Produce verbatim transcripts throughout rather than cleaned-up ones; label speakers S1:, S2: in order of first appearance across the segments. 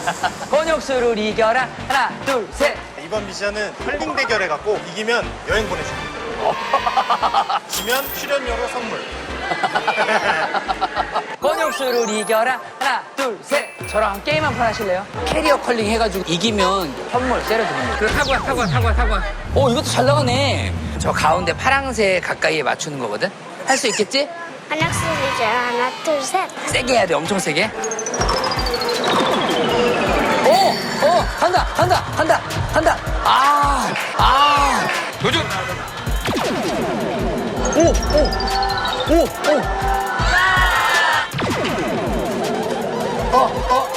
S1: 권혁수를 이겨라. 하나, 둘, 셋.
S2: 이번 미션은 컬링 대결 해갖고 이기면 여행 보내줍니다. 지면 출연료로 선물.
S1: 권혁수를 이겨라. 하나, 둘, 셋. 저랑 게임 한 판 하실래요? 캐리어 컬링 해가지고 이기면 선물 때려드립니다. 그래, 타고 와, 타고 와, 타고 와, 타고 와. 오, 이것도 잘 나가네. 저 가운데 파랑새 가까이에 맞추는 거거든? 할 수 있겠지?
S3: 한약수리죠. 하나, 둘, 셋.
S1: 세게 해야 돼, 엄청 세게. 오! 오! 간다! 간다! 간다! 간다! 아! 아! 도전! 오! 오! 오! 오! 어! 어!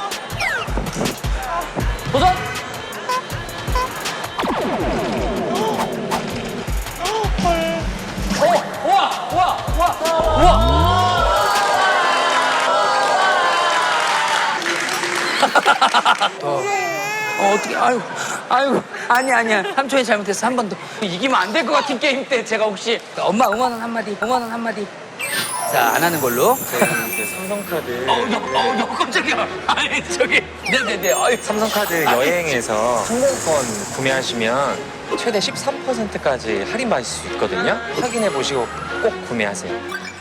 S1: 도전! 오! 우와! 우와! 우와! 우와! 더. 어, 어떻게, 아유, 아유, 아니, 아니야. 삼촌이 잘못했어. 한 번 더. 이기면 안 될 것 같은 게임 때 제가 혹시. 엄마 응원은 한마디, 응원은 한마디. 자, 안 하는 걸로.
S4: 저희 그 삼성카드
S1: 어우, 너, 어우, 너 깜짝이야. 아니, 저기. 네네네. 아유.
S4: 삼성카드 여행에서 항공권 구매하시면 최대 십삼 퍼센트까지 할인 받을 수 있거든요. 확인해 보시고 꼭 구매하세요.